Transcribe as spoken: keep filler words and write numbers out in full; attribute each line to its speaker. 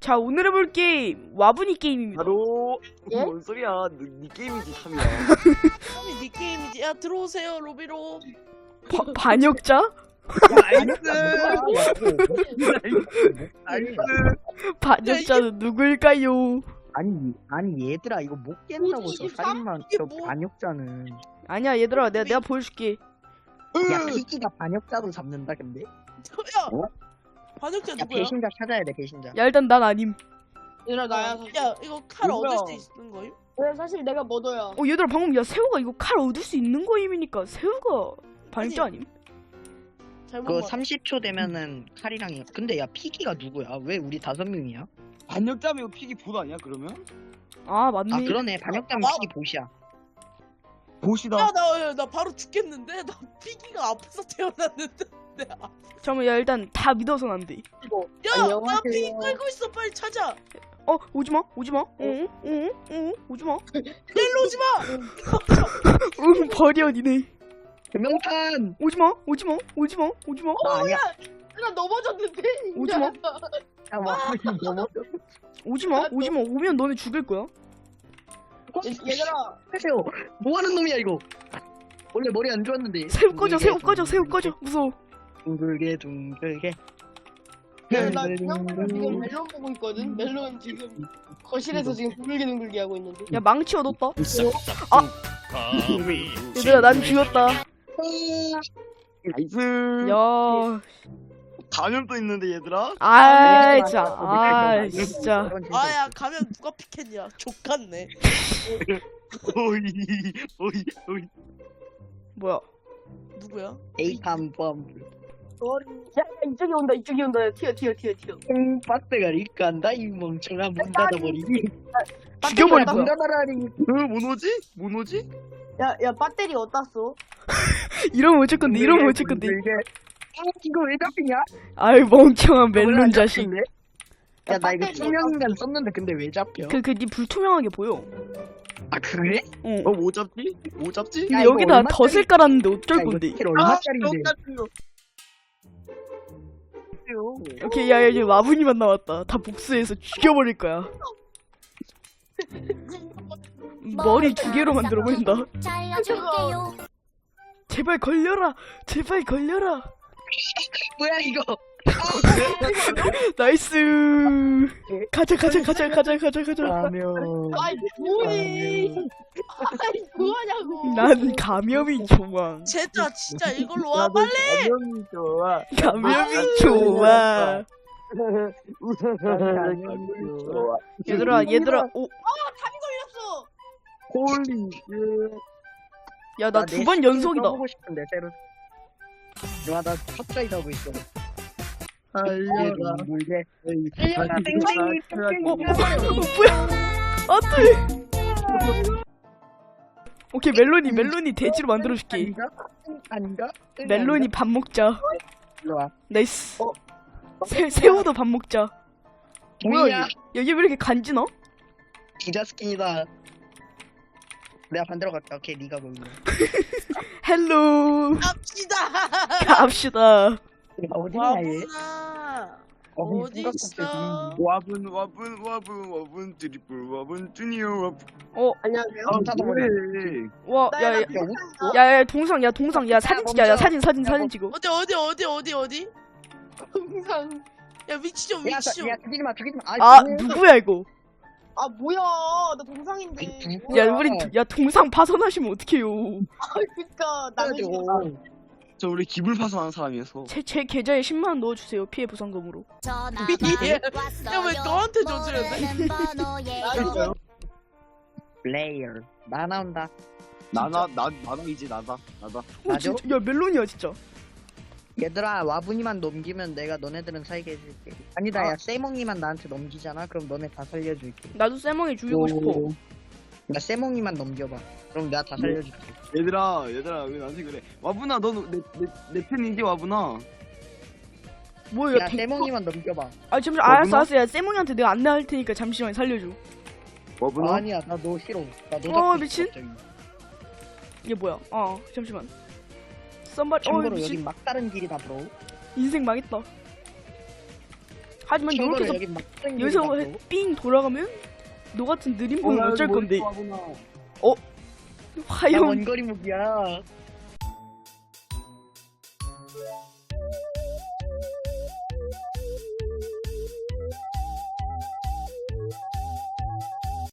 Speaker 1: 자, 오늘 해볼 게임 와분이 게임입니다.
Speaker 2: 바로
Speaker 3: 예?
Speaker 2: 뭔 소리야? 너, 네 게임이지 삼이야.
Speaker 4: 삼이 네 게임이지. 야 들어오세요 로비로.
Speaker 1: 바, 반역자?
Speaker 2: 나이스.
Speaker 1: 반역자는 누구일까요?
Speaker 3: 아니 아니 얘들아 이거 못 깬다고 저
Speaker 4: 이십삼?
Speaker 3: 살인만
Speaker 4: 이게
Speaker 3: 저
Speaker 4: 뭐?
Speaker 3: 반역자는
Speaker 1: 아니야 얘들아, 내가 내가 보여줄게.
Speaker 3: 야 피기가 반역자도 잡는다 근데
Speaker 4: 야
Speaker 3: 어?
Speaker 4: 반역자
Speaker 3: 야
Speaker 4: 누구야?
Speaker 3: 배신자 찾아야 돼 배신자
Speaker 1: 야, 일단 난 아님.
Speaker 5: 얘들아 나야 사실.
Speaker 4: 야 이거 칼
Speaker 2: 누구야?
Speaker 4: 얻을 수 있는 거임?
Speaker 5: 왜 사실 내가 뭐더야.
Speaker 1: 어, 얘들아, 방금 야 새우가 이거 칼 얻을 수 있는 거임이니까 새우가 반역자 아님?
Speaker 4: 잘못
Speaker 3: 그거
Speaker 4: 봤.
Speaker 3: 삼십 초 되면은 칼이랑 이- 근데 야 피기가 누구야 왜 우리 다섯 명이야
Speaker 2: 반역자면 픽이 보도 아니야 그러면?
Speaker 1: 아, 맞네.
Speaker 3: 아 그러네 반역자면
Speaker 4: 아,
Speaker 3: 피기 보시야
Speaker 2: 보시다.
Speaker 4: 야나 나 바로 죽겠는데? 나 피기가 아파서 태어났는데. 내 아-
Speaker 1: 잠깐만, 야 일단 다 믿어선 안 돼.
Speaker 4: 야, 나
Speaker 5: 안녕하세요.
Speaker 4: 피기 끌고 있어. 빨리 찾아.
Speaker 1: 어, 오지마, 오지마. 응, 응, 응, 오지마.
Speaker 4: 일로 오지 마.
Speaker 1: 응, 버려 니네.
Speaker 3: 명탄
Speaker 1: 오지마, 오지마, 오지마, 오지마.
Speaker 3: 나 아니야
Speaker 5: 나 넘어졌는데.
Speaker 1: 오지마.
Speaker 3: 야 와분이 넘어
Speaker 1: 오지마, 오지마. 오면 너네 죽일 거야.
Speaker 5: 얘들아
Speaker 3: 하세요 뭐하는 놈이야 이거 원래 머리 안 좋았는데
Speaker 1: 새우 꺼져, 새우
Speaker 3: 둥글게,
Speaker 1: 꺼져, 새우
Speaker 3: 둥글게,
Speaker 1: 꺼져. 무서워.
Speaker 3: 둥글게 둥글게
Speaker 5: 나 지금 지금 멜론 보고 있거든. 멜론 지금 거실에서 지금 둥글게둥글게 하고 있는데.
Speaker 1: 야, 망치 얻었다. 아, 얘들아, 난 죽였다.
Speaker 2: 나이스.
Speaker 1: 야,
Speaker 2: 감염도 있는데 얘들아.
Speaker 1: 아, 진짜, 아, 진짜.
Speaker 4: 아야 가면 누가 피켓냐? 족같네.
Speaker 2: 오이 오이 오이.
Speaker 1: 뭐야?
Speaker 4: 누구야?
Speaker 3: 에이팜 범
Speaker 5: 야 이쪽이 온다 이쪽이 온다. 튀어 튀어 튀어 튀어.
Speaker 3: 박대가 리간다 이 멍청아 문 닫아버리기
Speaker 1: 죽여버릴
Speaker 3: 문
Speaker 1: 거야.
Speaker 3: 닫아라니
Speaker 2: 어뭔 오지? 뭔 오지?
Speaker 5: 야야 배터리 어디다 써?
Speaker 1: 이러면 어쩔 건데, 이러면 어쩔 건데.
Speaker 3: 이게 아 이거 왜 잡히냐?
Speaker 1: 아이, 멍청한 멜론 자식.
Speaker 3: 야 나 이거
Speaker 5: 배터리
Speaker 3: 투명인간 썼는데 근데 왜 잡혀?
Speaker 1: 그, 그, 니 불투명하게 보여.
Speaker 3: 아 그래?
Speaker 1: 어.
Speaker 2: 어 뭐 잡지? 뭐 잡지?
Speaker 3: 야,
Speaker 1: 근데
Speaker 3: 이거
Speaker 1: 여기다
Speaker 3: 얼마짜리-
Speaker 1: 덫을 깔았는데 어쩔
Speaker 3: 야, 이거
Speaker 1: 건데.
Speaker 3: 스킬
Speaker 2: 아,
Speaker 3: 얼마짜린데?
Speaker 2: 똑같은 거.
Speaker 1: 오케이, 야, 야, 이제 와분이만 남았다. 다 복수해서 죽여버릴 거야. 머리 두 개로 만들어버린다.
Speaker 6: 잘라줄게요.
Speaker 1: 제발 걸려라. 제발 걸려라.
Speaker 3: 뭐야 이거?
Speaker 1: 나이스. 가자, 가자, 가자, 가자, 가자, 가자.
Speaker 3: 라면
Speaker 5: 아이 뭐니? 아이 뭐하냐고.
Speaker 1: 난 감염이 좋아.
Speaker 4: 쟤들아 진짜 이걸로 와 빨리.
Speaker 2: 감염이 좋아.
Speaker 1: 감염이 좋아.
Speaker 2: 감염이 좋아.
Speaker 1: 얘들아, 얘들아. 오,
Speaker 5: 감이 걸렸어.
Speaker 2: 홀리 쉣.
Speaker 1: 야, 나 두 번 연속이다.
Speaker 3: 보고 싶은데 새로. 와나 갑자기 가고 있어.
Speaker 2: 알려라.
Speaker 3: 물게.
Speaker 1: 어, 어, 뭐야? 안돼. 오케이, 멜론이, 멜론이 돼지로 만들어줄게.
Speaker 3: 아닌가? 아닌가?
Speaker 1: 멜론이 밥 먹자.
Speaker 3: 일로 와.
Speaker 1: 나이스. 새, 새우도 밥 먹자. 뭐야,
Speaker 3: 뭐야?
Speaker 1: 얘. 여기 왜 이렇게 간지나?
Speaker 3: 기자 스킨이다. 내가 반대로 갈게. 오케이 네가 거기.
Speaker 1: 헬로.
Speaker 4: 갑시다.
Speaker 1: 갑시다.
Speaker 3: 어디냐 얘?
Speaker 4: 와구나.
Speaker 3: 어디
Speaker 4: 어디
Speaker 3: 생각도
Speaker 4: 있어?
Speaker 3: 없이
Speaker 2: 와분 와분 와분 와분 트리플 와분 주니어 와분.
Speaker 1: 어,
Speaker 5: 안녕하세요.
Speaker 3: 아, 닫아버려.
Speaker 2: 그래.
Speaker 1: 와, 야, 야,
Speaker 3: 야, 어디?
Speaker 1: 야, 야, 동상, 야, 동상, 야, 사진 찍자, 야, 사진, 사진, 사진 찍어.
Speaker 4: 어디 어디 어디 어디 어디?
Speaker 5: 동상.
Speaker 4: 야 위치 좀
Speaker 3: 야,
Speaker 4: 위치 좀.
Speaker 3: 야, 죽이지 마, 죽이지 마.
Speaker 1: 아, 누구야, 이거?
Speaker 5: 아 뭐야? 나 동상인데.
Speaker 1: 야, 우리, 야, 동상 파손하시면 어떡해요.
Speaker 5: 아 그니까 남의 집.
Speaker 3: 줘.
Speaker 2: 저 우리 기불 파손하는 사람이어서.
Speaker 1: 제, 제 계좌에 십만 원 넣어주세요, 피해 보상금으로.
Speaker 4: 야왜 너한테 저지르는데?
Speaker 2: 그럴까요?
Speaker 3: 플레이어. 나 나온다.
Speaker 2: 나나 나 나다 이제 나다 나다.
Speaker 1: 어,
Speaker 3: 맞아?
Speaker 1: 진짜, 야, 멜론이야, 진짜.
Speaker 3: 얘들아, 와분이만 넘기면 내가 너네들은 살게 해줄게. 아니다,
Speaker 1: 아.
Speaker 3: 야, 세몽이만 나한테 넘기잖아. 그럼 너네 다 살려줄게.
Speaker 1: 나도 쌤멍이 죽이고 싶어.
Speaker 3: 야, 세몽이만 넘겨봐. 그럼 내가 다 살려줄게.
Speaker 2: 얘들아 얘들아 왜 나한테 그래? 와분아 너내내내 팬이지 와분아.
Speaker 1: 뭐야,
Speaker 3: 야,
Speaker 1: 백-
Speaker 3: 세몽이만 넘겨봐.
Speaker 1: 아, 잠시만, 알았어,
Speaker 2: 뭐구나?
Speaker 1: 알았어. 야, 쌤멍이한테 내가 안내할 테니까 잠시만 살려줘.
Speaker 2: 와분아.
Speaker 3: 아니야, 나 너 싫어. 나너
Speaker 1: 어, 미친. 이게 뭐야? 어, 잠시만. 썸바리, 어,
Speaker 3: 참고로
Speaker 1: 미친.
Speaker 3: 여기 막다른 길이다, 브로.
Speaker 1: 인생 망했다. 하지만
Speaker 3: 참고로
Speaker 1: 이렇게 해서
Speaker 3: 여기 막
Speaker 1: 여기서 해- 삥 돌아가면 너 같은 느린 폰은 어쩔 건데.
Speaker 2: 와보나.
Speaker 3: 나
Speaker 1: 화염
Speaker 3: 원거리 무기야.